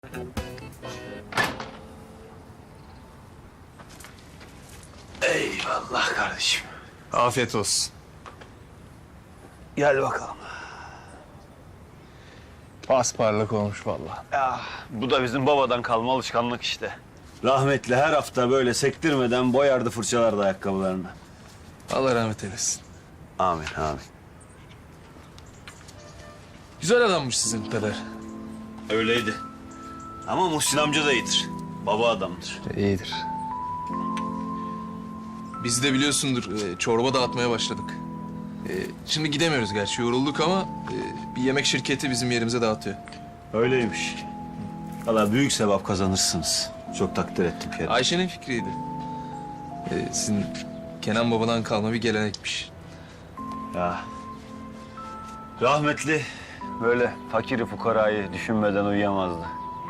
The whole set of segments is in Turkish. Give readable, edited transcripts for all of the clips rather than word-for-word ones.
Eyvallah kardeşim. Afiyet olsun. Gel bakalım. Pasparlak olmuş vallahi. Ya, bu da bizim babadan kalma alışkanlık işte. Rahmetli her hafta böyle sektirmeden boyardı, fırçalardı ayakkabılarını. Allah rahmet eylesin. Amin, amin. Güzel adammış sizin peder. Öyleydi. Ama Muhsin amca da iyidir. Baba adamdır. İyidir. Biz de biliyorsundur çorba dağıtmaya başladık. Şimdi gidemiyoruz gerçi yorulduk ama bir yemek şirketi bizim yerimize dağıtıyor. Öyleymiş. Valla büyük sevap kazanırsınız. Çok takdir ettim Kerim. Ayşe'nin fikriydi. Sizin Kenan babadan kalma bir gelenekmiş. Ya. Rahmetli böyle fakiri fukarayı düşünmeden uyuyamazdı.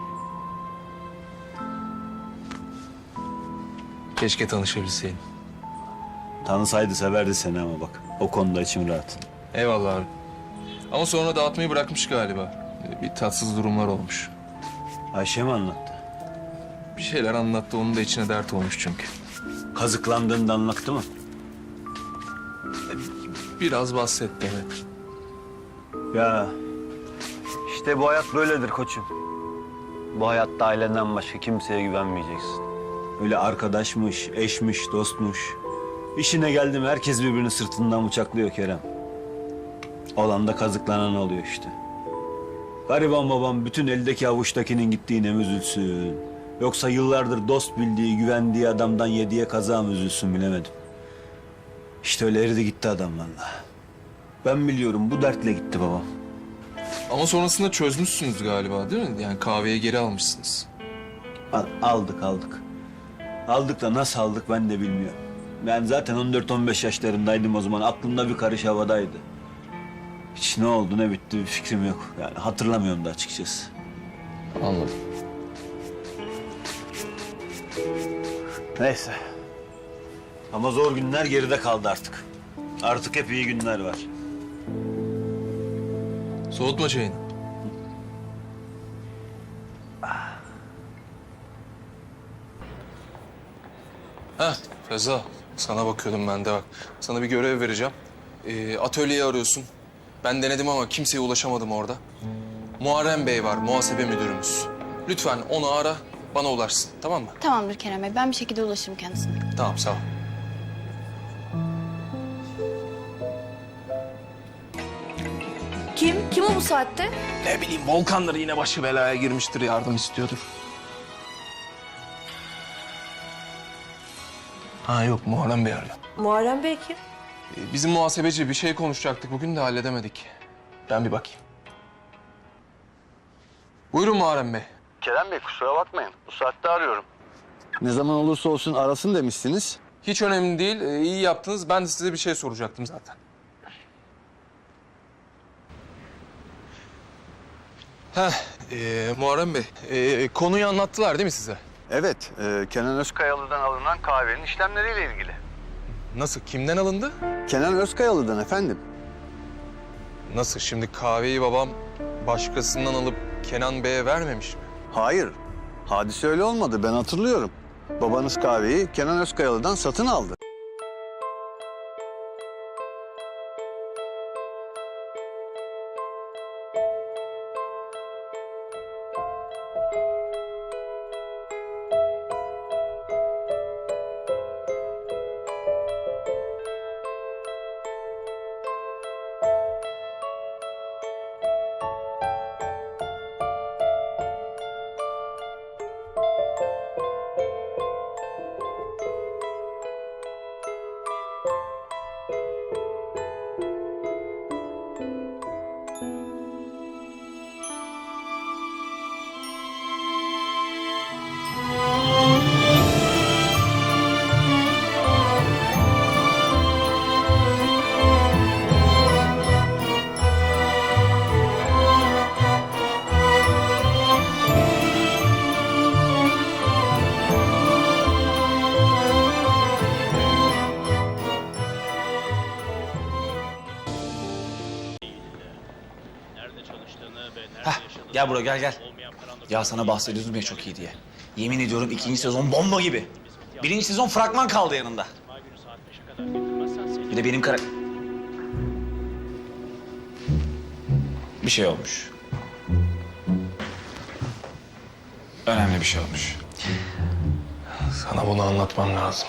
Keşke tanışabilseydim. Tanısaydı severdi seni ama bak. O konuda içim rahat. Eyvallah abi. Ama sonra dağıtmayı bırakmış galiba. Bir tatsız durumlar olmuş. Ayşe mi anlattı? Bir şeyler anlattı, onun da içine dert olmuş çünkü. Kazıklandığını da anlattı mı? Biraz bahsetti evet. Ya işte bu hayat böyledir koçum. Bu hayatta ailenden başka kimseye güvenmeyeceksin. Öyle arkadaşmış, eşmiş, dostmuş. İşine geldim herkes birbirini sırtından bıçaklıyor Kerem. Olan da kazıklanan oluyor işte. Gariban babam bütün eldeki avuçtakinin gittiğine mi üzülsün? Yoksa yıllardır dost bildiği, güvendiği adamdan yediye kaza mı üzülsün bilemedim. İşte öyle eridi gitti adam vallahi. Ben biliyorum bu dertle gitti babam. Ama sonrasında çözmüşsünüz galiba değil mi? Yani kahveye geri almışsınız. Aldık. Aldık da nasıl aldık ben de bilmiyorum. Ben zaten 14-15 yaşlarındaydım o zaman. Aklımda bir karış havadaydı. Hiç ne oldu ne bitti bir fikrim yok. Yani hatırlamıyorum da açıkçası. Anladım. Neyse. Ama zor günler geride kaldı artık. Artık hep iyi günler var. Soğutma çayını. Heh Reza, sana bakıyordum ben de bak. Sana bir görev vereceğim. Atölyeyi arıyorsun. Ben denedim ama kimseye ulaşamadım orada. Muharrem Bey var, muhasebe müdürümüz. Lütfen onu ara, bana ulaşsın. Tamam mı? Tamamdır Kerem Bey. Ben bir şekilde ulaşırım kendisine. Tamam, sağ ol. Kim o bu saatte? Ne bileyim, Volkan'dır yine başı belaya girmiştir, yardım istiyordur. Ha yok, Muharrem Bey arıyor. Muharrem Bey kim? Bizim muhasebeci bir şey konuşacaktık bugün de halledemedik. Ben bir bakayım. Buyurun Muharrem Bey. Kerem Bey kusura bakmayın. Bu saatte arıyorum. Ne zaman olursa olsun arasın demişsiniz. Hiç önemli değil, iyi yaptınız. Ben de size bir şey soracaktım zaten. Muharrem Bey, konuyu anlattılar değil mi size? Evet, Kenan Özkayalı'dan alınan kahvenin işlemleriyle ilgili. Nasıl, kimden alındı? Kenan Özkayalı'dan efendim. Nasıl, şimdi kahveyi babam başkasından alıp Kenan Bey'e vermemiş mi? Hayır. Hadise öyle olmadı. Ben hatırlıyorum. Babanız kahveyi Kenan Özkayalı'dan satın aldı. Gel buraya gel. Ya sana bahsediyordum ya çok iyi diye. Yemin ediyorum 2. sezon bomba gibi. 1. sezon fragman kaldı yanında. Bir de benim bir şey olmuş. Önemli bir şey olmuş. Sana bunu anlatmam lazım.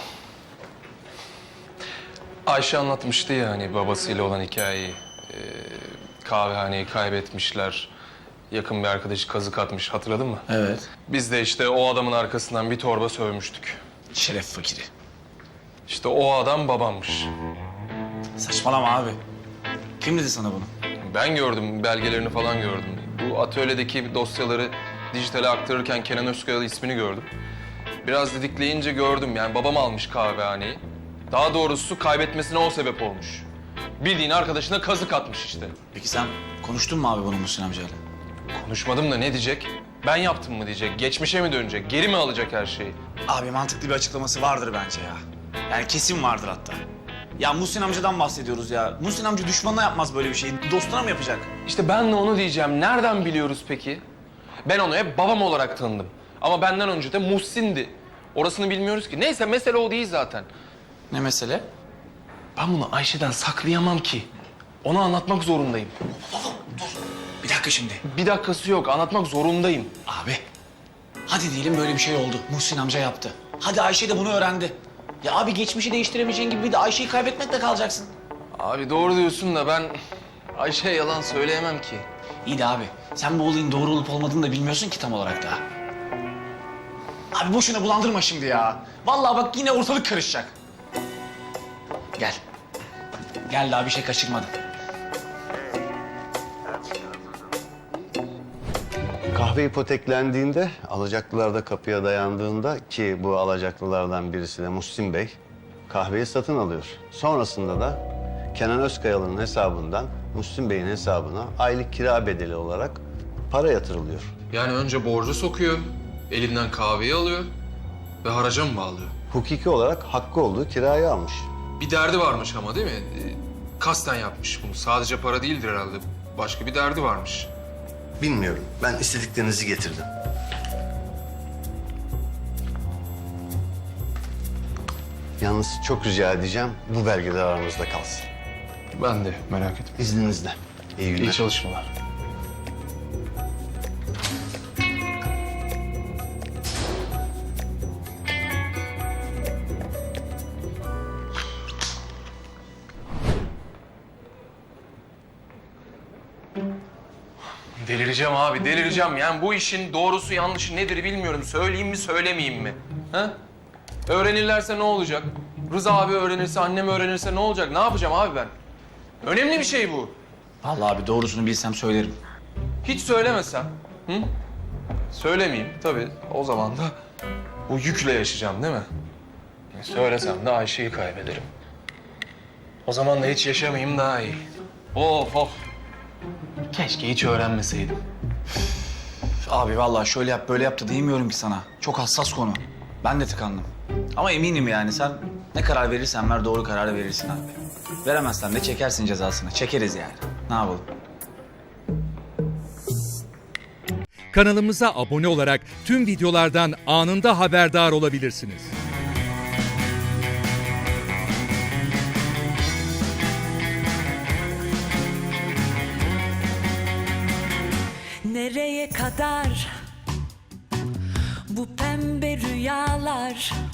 Ayşe anlatmıştı ya hani babasıyla olan hikayeyi. Kahvehaneyi kaybetmişler. Yakın bir arkadaşı kazık atmış, hatırladın mı? Evet. Biz de işte o adamın arkasından bir torba sövmüştük. Şeref fakiri. İşte o adam babammış. Saçmalama abi. Kim dedi sana bunu? Ben gördüm, belgelerini falan gördüm. Bu atölyedeki dosyaları dijitale aktarırken Kenan Özkayalı ismini gördüm. Biraz didikleyince gördüm, yani babam almış kahvehaneyi. Daha doğrusu kaybetmesine o sebep olmuş. Bildiğin arkadaşına kazık atmış işte. Peki sen konuştun mu abi bunu Muhsin amcayla? Konuşmadım da ne diyecek? Ben yaptım mı diyecek, geçmişe mi dönecek, geri mi alacak her şeyi? Abi mantıklı bir açıklaması vardır bence ya. Yani kesin vardır hatta. Ya Muhsin amcadan bahsediyoruz ya. Muhsin amca düşmanına yapmaz böyle bir şeyi. Dostuna mı yapacak? İşte ben de onu diyeceğim. Nereden biliyoruz peki? Ben onu hep babam olarak tanıdım. Ama benden önce de Muhsin'di. Orasını bilmiyoruz ki. Neyse mesele o değil zaten. Ne mesele? Ben bunu Ayşe'den saklayamam ki. Ona anlatmak zorundayım. Bir dakika şimdi. Bir dakikası yok. Anlatmak zorundayım. Abi. Hadi diyelim böyle bir şey oldu. Muhsin amca yaptı. Hadi Ayşe de bunu öğrendi. Ya abi geçmişi değiştiremeyeceğin gibi bir de Ayşe'yi kaybetmekle kalacaksın. Abi doğru diyorsun da ben Ayşe'ye yalan söyleyemem ki. İyi de abi sen bu olayın doğru olup olmadığını da bilmiyorsun ki tam olarak daha. Abi boşuna bulandırma şimdi ya. Vallahi bak yine ortalık karışacak. Gel. Gel daha bir şey kaçırmadım. Kahve ipoteklendiğinde, alacaklılar da kapıya dayandığında ki bu alacaklılardan birisi de Muhsin Bey kahveyi satın alıyor. Sonrasında da Kenan Özkayalı'nın hesabından Muhsin Bey'in hesabına aylık kira bedeli olarak para yatırılıyor. Yani önce borcu sokuyor, elinden kahveyi alıyor ve haraca mı bağlıyor? Hukuki olarak hakkı olduğu kirayı almış. Bir derdi varmış ama değil mi? Kasten yapmış bunu. Sadece para değildir herhalde. Başka bir derdi varmış. Bilmiyorum. Ben istediklerinizi getirdim. Yalnız çok rica edeceğim bu belgeler aramızda kalsın. Ben de merak etme. İzninizle. İyi günler. İyi çalışmalar. Delireceğim abi, delireceğim. Yani bu işin doğrusu yanlışı nedir bilmiyorum. Söyleyeyim mi, söylemeyeyim mi? Ha? Öğrenirlerse ne olacak? Rıza abi öğrenirse, annem öğrenirse ne olacak? Ne yapacağım abi ben? Önemli bir şey bu. Vallahi abi doğrusunu bilsem söylerim. Hiç söylemesem, hı? Söylemeyeyim tabii. O zaman da bu yükle yaşayacağım değil mi? Söylesem de Ayşe'yi kaybederim. O zaman da hiç yaşamayayım daha iyi. Of of. Keşke hiç öğrenmeseydim. Abi vallahi şöyle yap böyle yap da diyemiyorum ki sana. Çok hassas konu. Ben de tıkandım. Ama eminim yani sen ne karar verirsen ver doğru kararı verirsin abi. Veremezsen de çekersin cezasını. Çekeriz yani. Ne yapalım? Kanalımıza abone olarak tüm videolardan anında haberdar olabilirsiniz. Nereye kadar bu pembe rüyalar?